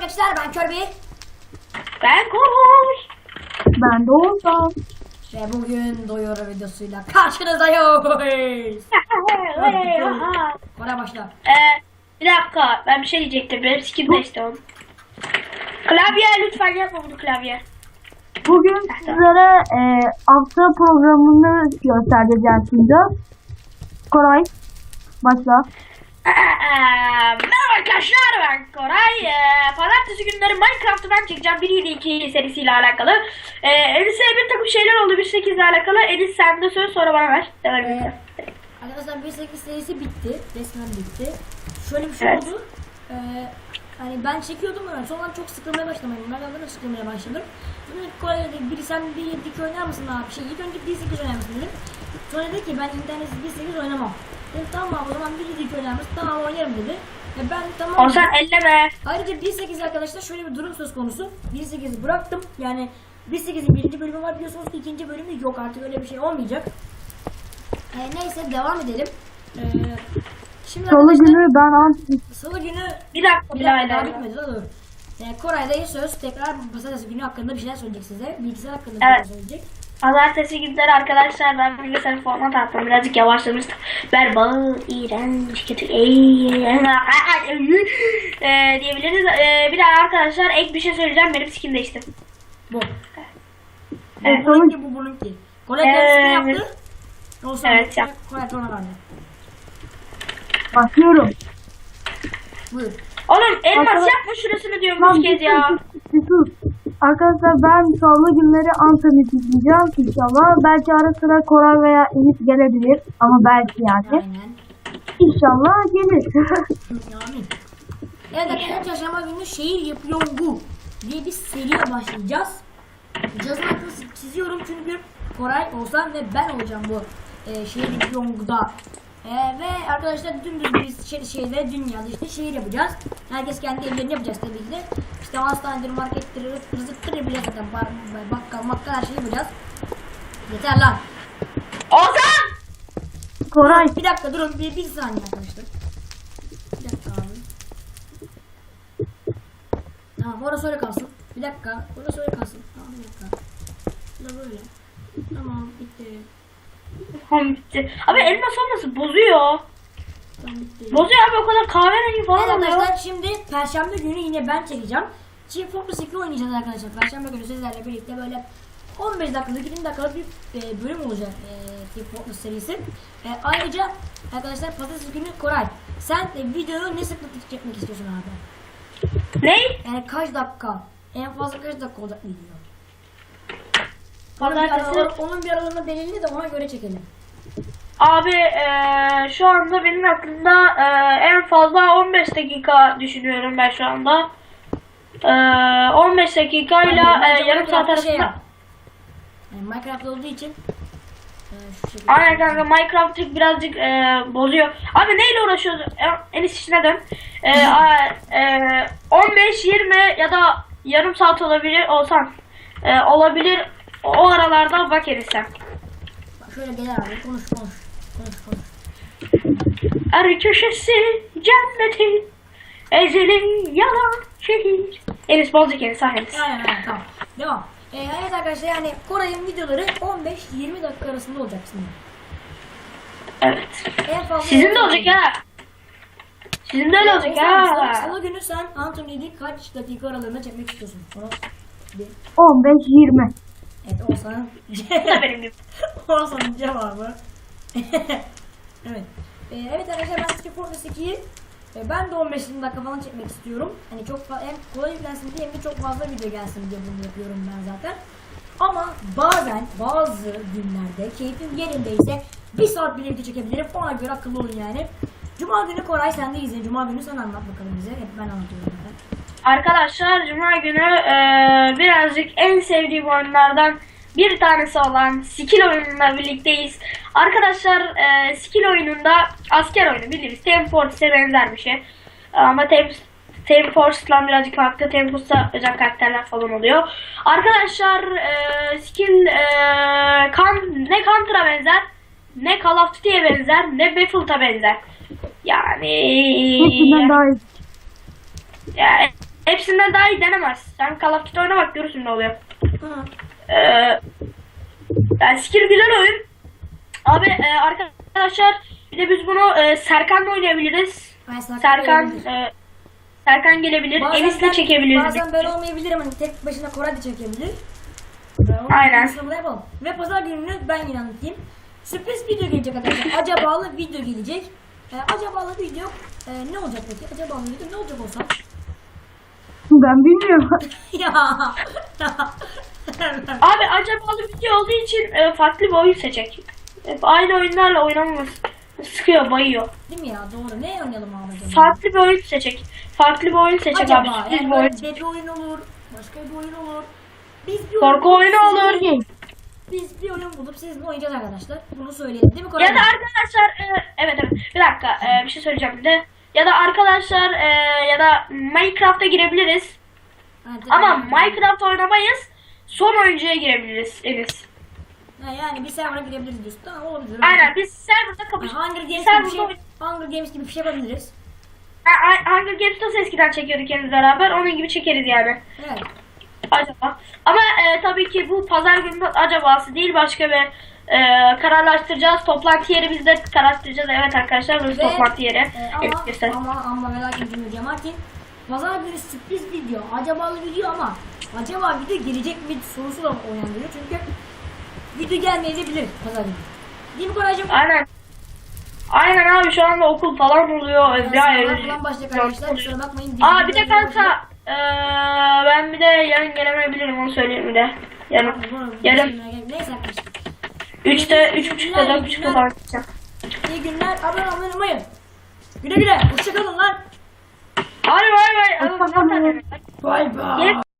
arkadaşlar, ben Kirby. Ben Koş. Ben de Oğuzhan. Ve bugün Doyuru videosuyla karşınızdayız. Bana başla. Bir dakika, ben bir şey diyecektim. Benim skin değişti oğlum. Klavye lütfen yapma bunu klavye. Bugün sizlere hafta programını göstereceğim şimdi. Koray, başla. Merhaba arkadaşlar, ben Koray. Pazartesi günleri Minecraft'ı ben çekeceğim 1.7.2 serisiyle alakalı. Enis'e bir takım şeyler oldu 1.8 ile alakalı. Enis sen de söz, sonra bana ver. Arkadaşlar 1.8 serisi bitti. Resmen bitti. Şöyle bir şey Evet. oldu. Hani ben çekiyordum ama sonra çok sıkılmaya başladım. Ben de sıkılmaya başladım. Sonra Koray dedi, biri sen 1.7.2 oynar mısın abi? İlk önce 1.8 oynar mısın dedim. Sonra dedi ki ben internetsiz 1.8 oynamam. Dedim tamam o zaman 1.7.2 oynar mısın? Tamam oynarım dedi. Ben tamam. O sen elleme. Ayrıca 1.8 arkadaşlar şöyle bir durum söz konusu. 1.8'i bıraktım. Yani 1.8'in birinci bölümü var biliyorsunuz ki ikinci bölümü yok, artık öyle bir şey olmayacak. Neyse devam edelim. Şimdi Salı günü ben Salı günü Bir dakika daha Bilal. bitmedi la dur. Koray'da söz tekrar pazartesi günü hakkında bir şeyler söyleyecek size. Bilgisayar hakkında bir Evet. şeyler söyleyecek. Pazartesi günleri arkadaşlar ben bilgisayarı format attım. Birazcık yavaşlamıştım. Berbat, iğrenç, kötü, diyebiliriz. Bir daha arkadaşlar ek bir şey söyleyeceğim. Benim skin değişti. Bu. Evet. Bu bununki, bu bununki. Koray kendisini yaptı. Olsun. Evet, yap. Koray sonra verdi. başlıyorum. Buyur. Oğlum elmas Arkadaş- yapma şurasını diyorum Lan üç kez ya. bir sus. Arkadaşlar ben salı günleri Anthony izleyeceğim inşallah. Belki ara sıra Koray veya Enis gelebilir. Ama belki yani. Aynen. İnşallah gelir. Amin. Evet arkadaşlar, çarşamba günü şehir yapıyor bu diye bir seriye başlayacağız. Cazın altını çiziyorum çünkü Koray, Oğuzhan ve ben olacağım bu şehir yapıyor bu'da. Ve arkadaşlar dümdüz bir şeyde dünyada işte şehir yapacağız. Herkes kendi evlerini yapacağız tabii ki de. İşte hastanedir, markettir, rızıktır bile zaten bakkal her şeyi yapacağız. Yeter lan. Ozan! Koray, Bir dakika durun, bir saniye arkadaşlar. Bir dakika abi. Tamam orası öyle kalsın. Bir dakika orası öyle kalsın. Tamam bir dakika. Bu da böyle. Tamam bitti. Tamam bitti. Abi elmas olması bozuyor. Tamam bitti. Bozuyor abi, o kadar kahverengi Evet falan oluyor. arkadaşlar, şimdi Perşembe günü yine ben çekeceğim. Chief Fortress 2 oynayacağız arkadaşlar. Perşembe günü sizlerle birlikte böyle 15 dakikalık 20 dakikalık bir bölüm olacak Chief Fortress serisi. Ayrıca arkadaşlar pazartesi günü Koray, sen videoyu ne sıklıkla çekmek istiyorsun abi? Ne? Yani kaç dakika? En fazla kaç dakika olacak video? Pazartesi. Onun bir aralığını belirli de ona göre çekelim. Abi şu anda benim aklımda en fazla 15 dakika düşünüyorum ben şu anda. 15 dakikayla Bence yarım saat Minecraft'ta arasında. yap. Yani Minecraft olduğu için şu şekilde. Aynen kanka, Minecraft birazcık bozuyor. Abi neyle uğraşıyoruz? En işine dön. 15-20 ya da yarım saat olabilir olsan. Olabilir. O aralarda bak Enis'e. Bak şöyle gel abi, konuş. Arı köşesi cennetin, ezelin yalan şehir. Enis bozacak Enis, Enis. Aynen tamam. Devam. Evet arkadaşlar, yani Koray'ın videoları 15-20 dakika arasında olacak şimdi. Evet. En fazla Sizin de olacak ha. Sizin de öyle olacak ha. Salı günü sen Anthony'yi kaç dakika aralığında çekmek istiyorsun? Onu bir... 15-20. Evet Oğuzhan'ın Bu da benim gibi. Oğuzhan'ın cevabı. Evet. Evet arkadaşlar, ben Chief Fortress 2'yi ben de 15 dakika falan çekmek istiyorum. Hani çok hem kolay yüklensin diye hem de çok fazla video gelsin diye bunu yapıyorum ben zaten. Ama bazı günlerde keyfim yerindeyse 1 saat bile video çekebilirim. Ona göre akıllı olun yani. Cuma günü Koray sendeyiz. Cuma günü sen anlat bakalım bize. Hep ben anlatıyorum zaten. Arkadaşlar cuma günü birazcık en sevdiğim oyunlardan bir tanesi olan skill oyunuyla birlikteyiz. Arkadaşlar skill oyununda asker oyunu bildiğimiz Team Fortress'e benzer bir şey. Ama Team Fortress'la birazcık farklı. Team Fortress'ta özel karakterler falan oluyor. Arkadaşlar skill ne Counter'a benzer, ne Call of Duty'ye benzer, ne Battlefield'a benzer. Yani Hepsinden daha iyi. ya hepsinden daha iyi denemez. Sen Call of Duty oyna bak görürsün ne oluyor. Hı. Yani skill güzel oyun. Abi arkadaşlar bir de biz bunu Serkan'la oynayabiliriz. Ay, Serkan gelebilir. Serkan gelebilir. Bazen Enis'le ben- çekebiliriz. Bazen böyle olmayabilirim hani tek başına Koray da çekebilir. Aynen. Bunu yapalım. Ve pazar gününü ben yine anlatayım. Sürpriz video gelecek arkadaşlar. Acabalı video gelecek. Acabalı video ne olacak peki? Acabalı video ne olacak olsa? Ben bilmiyorum. Ya. Abi acaba video olduğu için farklı bir oyun seçecek. Hep aynı oyunlarla oynamamız sıkıyor, bayıyor. Değil mi ya? Doğru. Ne oynayalım abi acaba? Farklı bir oyun seçecek. Farklı bir oyun seçecek abi. Acaba Sürpriz yani bir oyun. böyle bir oyun olur. Başka bir oyun olur. Biz bir Korku oyun oyunu bulup olur. sizinle- Biz bir oyun bulup sizinle oynayacağız arkadaşlar. Bunu söyleyelim değil mi Koray? Ya da arkadaşlar evet bir dakika bir şey söyleyeceğim bir de. Ya da arkadaşlar ya da Minecraft'a girebiliriz. Evet, Ama evet. Minecraft oynamayız. Son oyuncuya girebiliriz Enis. Yani bir server'a girebiliriz diyorsun. Tamam olabilir. Aynen biz serverda kapış. Hunger Games gibi bir Serverda şey, Hunger Games gibi bir şey yapabiliriz. Hunger Games nasıl eskiden çekiyorduk henüz beraber onun gibi çekeriz yani. Evet. Acaba. Ama tabii ki bu pazar günü acabası değil başka bir kararlaştıracağız. Toplantı yeri biz de kararlaştıracağız. Evet arkadaşlar burası Ve, toplantı yeri. Evet, ama göster. ama merak ettim Cemalettin. Pazar günü sürpriz video, acabalı video ama acaba video gelecek mi sorusu da uyandırıyor çünkü video gelmeyebilir pazar günü. Değil mi Koraycığım? Aynen. Aynen abi şu anda okul falan oluyor. Sınavlar falan başlayacak arkadaşlar. Kusura bakmayın. Aa bir de kanka ben bir de yarın gelemeyebilirim onu söyleyeyim bir de. Yarın Neyse arkadaşlar. 3'te 3.30'da 4.30'da falan gideceğim. İyi günler. Abone olmayı unutmayın. Güle güle. Hoşçakalın lan. Hadi bay bay. Hoşçakalın. Bay bay. Gelip